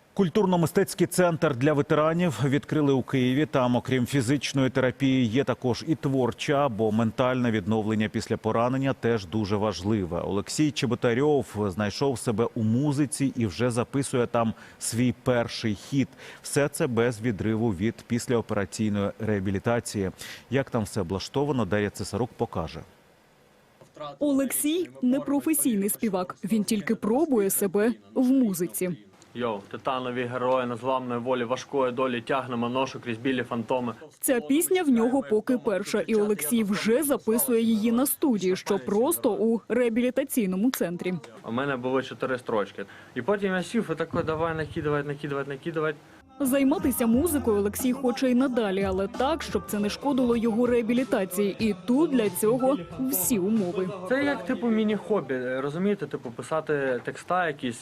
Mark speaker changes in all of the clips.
Speaker 1: Культурно-мистецький центр для ветеранів відкрили у Києві. Там, окрім фізичної терапії, є також і творча, бо ментальне відновлення після поранення теж дуже важливе. Олексій Чеботарьов знайшов себе у музиці і вже записує там свій перший хіт. Все це без відриву від післяопераційної реабілітації. Як там все облаштовано, Дар'я Цесарук покаже.
Speaker 2: Олексій – непрофесійний співак. Він тільки пробує себе в музиці.
Speaker 3: Йоу, титанові герої незламної волі, важкої долі, тягнемо ношу крізь білі фантоми.
Speaker 2: Ця пісня в нього поки перша, і Олексій вже записує її на студії, що просто у реабілітаційному центрі.
Speaker 3: У мене було 4 строчки. І потім я сів і такий, давай накидувати.
Speaker 2: Займатися музикою Олексій хоче і надалі, але так, щоб це не шкодило його реабілітації. І тут для цього всі умови.
Speaker 3: Це як, міні-хобі, розумієте? Писати текста якісь,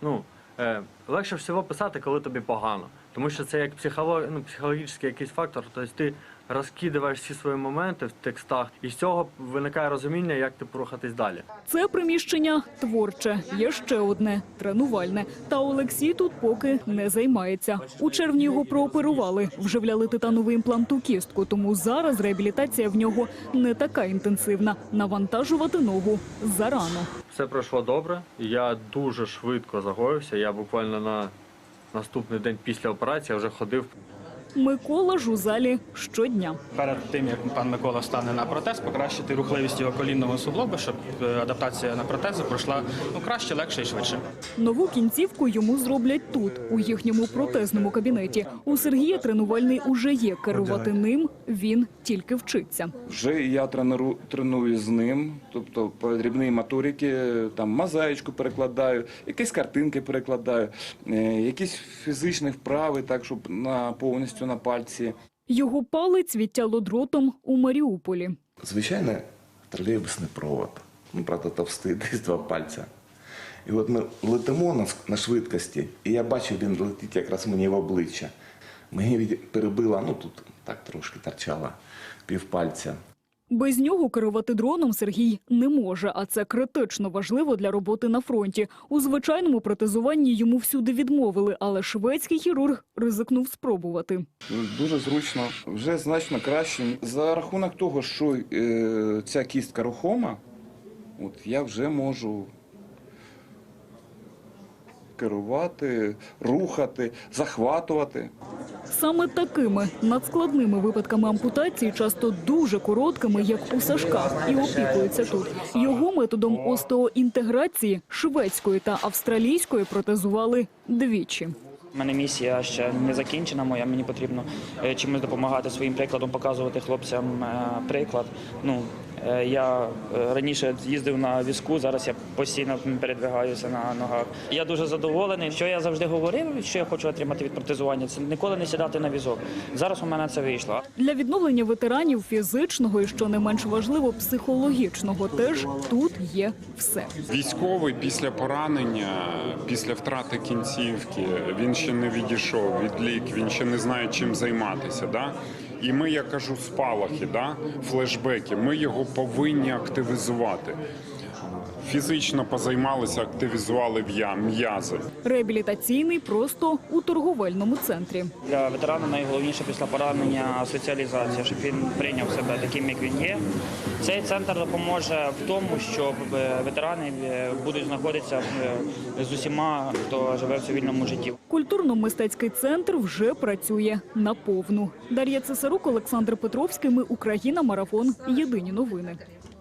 Speaker 3: легше всього писати, коли тобі погано. Тому що це як психологічний якийсь фактор. Тобто ти розкидаєш всі свої моменти в текстах, і з цього виникає розуміння, як рухатись далі.
Speaker 2: Це приміщення творче, є ще одне – тренувальне. Та Олексій тут поки не займається. У червні його прооперували, вживляли титановий імплант у кістку, тому зараз реабілітація в нього не така інтенсивна. Навантажувати ногу зарано.
Speaker 3: Все пройшло добре, я дуже швидко загоївся, я буквально на наступний день після операції вже ходив.
Speaker 2: Микола ж у залі щодня.
Speaker 4: Перед тим, як пан Микола стане на протез, покращити рухливість його колінного суглоба, щоб адаптація на протези пройшла краще, легше і швидше.
Speaker 2: Нову кінцівку йому зроблять тут, у їхньому протезному кабінеті. У Сергія тренувальний уже є, керувати ним він тільки вчиться.
Speaker 5: Вже я треную з ним, тобто по дрібній моториці, там мозаїчку перекладаю, якісь картинки перекладаю, якісь фізичні вправи, так, щоб повністю на пальці.
Speaker 2: Його палець відтяло дротом у Маріуполі.
Speaker 6: Звичайно, тролейбусний провод, правда товстий, десь 2 пальця. І от ми летимо на швидкості, і я бачу, він летить якраз мені в обличчя. Мені перебило, тут так трошки торчало, півпальця.
Speaker 2: Без нього керувати дроном Сергій не може, а це критично важливо для роботи на фронті. У звичайному протезуванні йому всюди відмовили, але шведський хірург ризикнув спробувати.
Speaker 5: Дуже зручно, вже значно краще. За рахунок того, що ця кістка рухома, я вже можу керувати, рухати, захватувати.
Speaker 2: Саме такими надскладними випадками ампутації, часто дуже короткими, як у Сашка, і опікуються тут. Його методом остеоінтеграції шведської та австралійської протезували двічі.
Speaker 4: У мене місія ще не закінчена моя, мені потрібно чимось допомагати своїм прикладом, показувати хлопцям приклад. Я раніше їздив на візку, зараз я постійно передвигаюся на ногах. Я дуже задоволений, що я завжди говорив, що я хочу отримати від протезування, це ніколи не сідати на візок. Зараз у мене це вийшло.
Speaker 2: Для відновлення ветеранів фізичного і, що не менш важливо, психологічного теж тут є все.
Speaker 7: Військовий після поранення, після втрати кінцівки, він ще не відійшов від лік, він ще не знає, чим займатися. Да? І ми, я кажу, спалахи, флешбеки, ми його повинні активізувати. Фізично позаймалися, активізували м'язи.
Speaker 2: Реабілітаційний просто у торговельному центрі.
Speaker 4: Для ветерана найголовніше після поранення соціалізація, щоб він прийняв себе таким, як він є. Цей центр допоможе в тому, що ветерани будуть знаходитися з усіма, хто живе в цивільному житті.
Speaker 2: Культурно-мистецький центр вже працює наповну. Дар'я Цесарук, Олександр Петровський. Ми Україна. Марафон. Єдині новини.